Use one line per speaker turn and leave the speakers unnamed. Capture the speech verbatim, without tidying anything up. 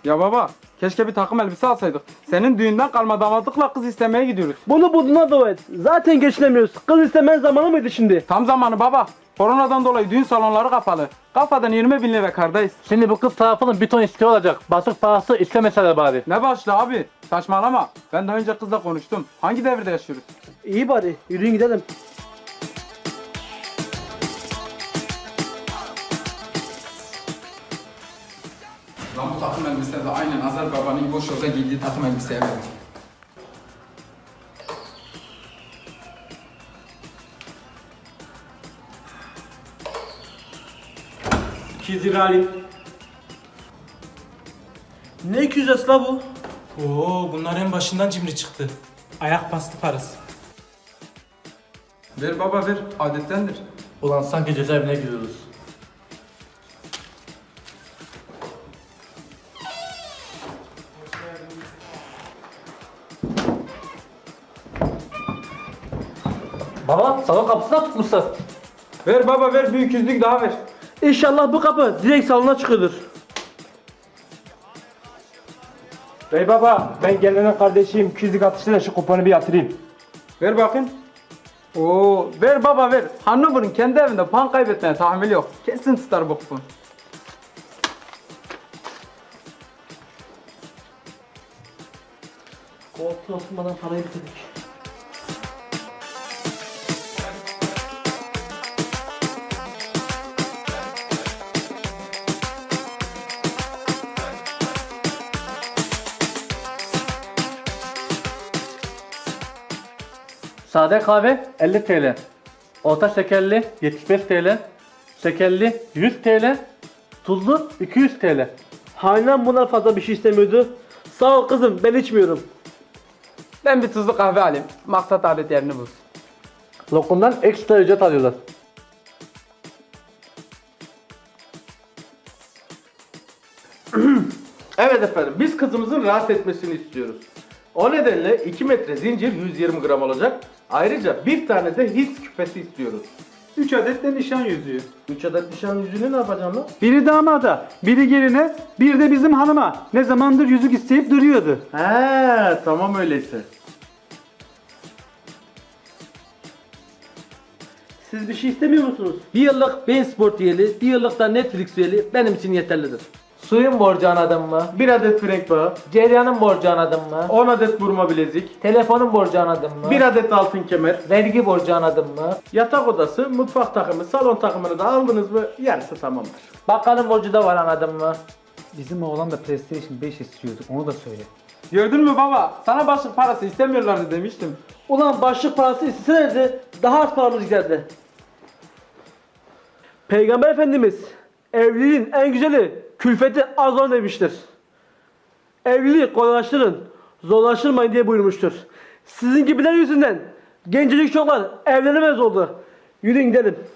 Ya baba, keşke bir takım elbise alsaydık. Senin düğünden kalma damatlıkla kız istemeye gidiyoruz.
Bunu bulduğuna dua et. Zaten geçinemiyoruz. Kız istemen zamanı mıydı şimdi?
Tam zamanı baba. Koronadan dolayı düğün salonları kapalı. Kafadan yirmi bin lira kardayız.
Şimdi bu kız tarafının bir ton isteği olacak. Basık parası istemeseler bari.
Ne başlı abi? Saçmalama. Ben daha önce kızla konuştum. Hangi devirde yaşıyoruz?
İyi bari. Yürüyün gidelim.
Lan bu takım elbise de aynen Azar babanın boş yolda giydiği takım elbiseye benziyor.
iki yüz lira alayım. Ne iki yüz la bu?
Oo, bunlar en başından cimri çıktı. Ayak bastı parası.
Ver baba ver. Adettendir.
Ulan sanki cezaevine giriyoruz. Baba, salon kapısına tutmuşlar.
Ver baba ver. Bir iki yüzlük daha ver.
İnşallah bu kapı direkt salona çıkıyordur.
Bey baba, ben gelinin kardeşiyim. iki yüzlük atıştı şu kuponu bir yatırayım.
Ver bakayım. Oo, ver baba ver. Hannover'ın kendi evinde puan kaybetmeye tahammül yok. Kesin tutar bu kupon.
Koltuğa oturmadan parayı bitirdik.
Sade kahve elli TL. Orta şekerli yetmiş beş TL. Şekerli yüz TL. Tuzlu iki yüz TL.
Hanem bunlar fazla bir şey istemiyordu. Sağ ol kızım, ben içmiyorum.
Ben bir tuzlu kahve alayım. Maksat adet yerini bulsun.
Lokumdan ekstra ücret alıyorlar.
Evet efendim, biz kızımızın rahat etmesini istiyoruz. O nedenle iki metre zincir yüz yirmi gram olacak. Ayrıca bir tane de his küpesi istiyoruz.
üç adet de nişan yüzüğü.
üç adet nişan yüzüğünü ne yapacağım lan?
Biri damada, biri geline, bir de bizim hanıma. Ne zamandır yüzük isteyip duruyordu.
He, tamam öyleyse.
Siz bir şey istemiyor musunuz? Bir yıllık Bein Sport üyeliği, bir yıllık da Netflix üyeliği benim için yeterlidir.
Suyun borcu anladın mı?
Bir adet frenk bağı,
Ceryanın borcu anladın mı?
on adet burma bilezik,
Telefonun borcu anladın mı?
bir adet altın kemer,
Vergi borcu anladın mı?
yatak odası, mutfak takımı, salon takımını da aldınız mı yarısı tamamdır.
Bakkalın borcu da var anladın mı?
Bizim oğlan da PlayStation beş istiyordu, onu da söyle.
Gördün mü baba? Sana başlık parası istemiyorlardı demiştim.
Ulan başlık parası isteselerdi daha az paramız giderdi. Peygamber Efendimiz evliliğin en güzeli külfeti az olan demiştir. Evliliği kolaylaştırın, zorlaştırmayın diye buyurmuştur. Sizin gibiler yüzünden gencecik çocuklar evlenemez oldu. Yürüyün gidelim.